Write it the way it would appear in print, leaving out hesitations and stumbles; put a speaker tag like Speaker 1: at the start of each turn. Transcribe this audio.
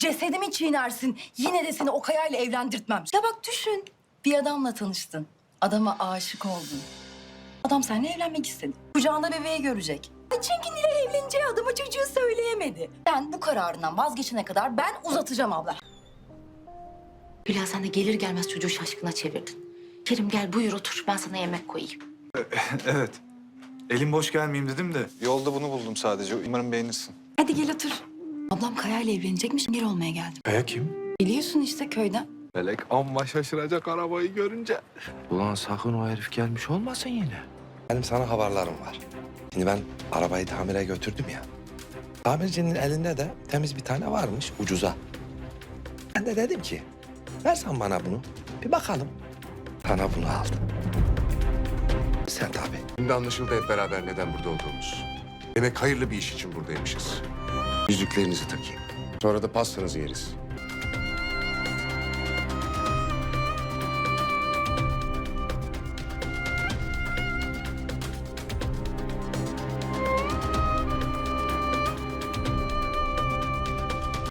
Speaker 1: Cesedimi çiğnersin. Yine de seni o Kaya'yla evlendirtmem. Ya bak düşün. Bir adamla tanıştın. Adama aşık oldun. Adam seninle evlenmek istedi. Kucağında bebeği görecek. Çünkü Nilay evleneceği adama çocuğu söyleyemedi. Sen bu kararından vazgeçene kadar ben uzatacağım abla.
Speaker 2: Hülya sen de gelir gelmez çocuğu şaşkına çevirdin. Kerim gel buyur otur ben sana yemek koyayım.
Speaker 3: Evet. Elim boş gelmeyeyim dedim de yolda bunu buldum sadece. Umarım beğenirsin.
Speaker 1: Hadi gel otur. Ablam Kaya'yla evlenecekmiş. Gel olmaya geldim.
Speaker 3: Kaya kim?
Speaker 1: Biliyorsun işte köyden.
Speaker 4: Melek amma şaşıracak arabayı görünce. Ulan sakın o herif gelmiş olmasın yine.
Speaker 5: Benim sana haberlerim var. Şimdi ben arabayı tamire götürdüm ya. Tamircinin elinde de temiz bir tane varmış ucuza. Ben de dedim ki versen bana bunu bir bakalım. Sana bunu aldım. Sen tabii.
Speaker 6: Şimdi anlaşıldı hep beraber neden burada olduğumuz. Demek hayırlı bir iş için buradaymışız. Yüzüklerinizi takayım. Sonra da pastanızı yeriz.